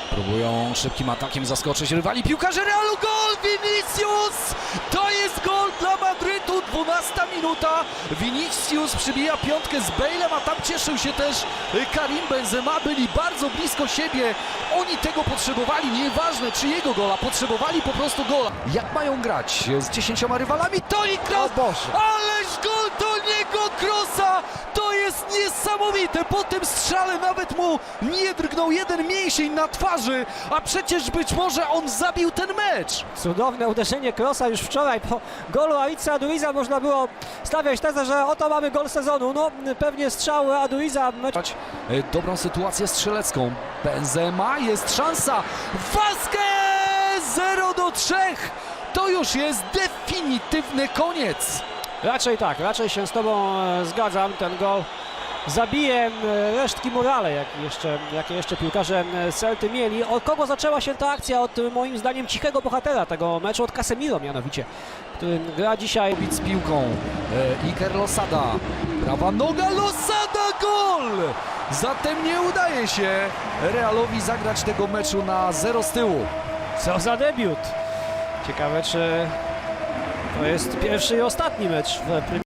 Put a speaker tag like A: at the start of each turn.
A: Próbują szybkim atakiem zaskoczyć rywali. Piłkarze Realu, gol! Vinicius! To jest gol dla Madrytu, 12 minuta. Vinicius przybija piątkę z Bale'em, a tam cieszył się też Karim Benzema. Byli bardzo blisko siebie. Oni tego potrzebowali, nieważne czyjego gola, potrzebowali po prostu gola. Jak mają grać z 10 rywalami? Toni Kroos! Ależ gol Toniego Kroosa! To jest niesamowite! Po tym strzale nawet mu nie drgnął jeden mięsień na twarzy, a przecież być może on zabił ten mecz.
B: Cudowne uderzenie Kroosa już wczoraj po golu Aritza Aduriza. Można było stawiać tezę, że oto mamy gol sezonu. No pewnie strzał Aduriza.
A: Dobrą sytuację strzelecką. Benzema, jest szansa. Vasquez 0-3. To już jest definitywny koniec.
B: Raczej tak, raczej się z tobą zgadzam. Ten gol zabije resztki morale, jakie jeszcze piłkarze Celty mieli. Od kogo zaczęła się ta akcja? Od moim zdaniem cichego bohatera tego meczu, od Casemiro mianowicie, który gra dzisiaj.
A: Z piłką Iker Losada. Prawa noga Losada, gol! Zatem nie udaje się Realowi zagrać tego meczu na 0 z tyłu.
B: Co za debiut! Ciekawe, czy to jest pierwszy i ostatni mecz w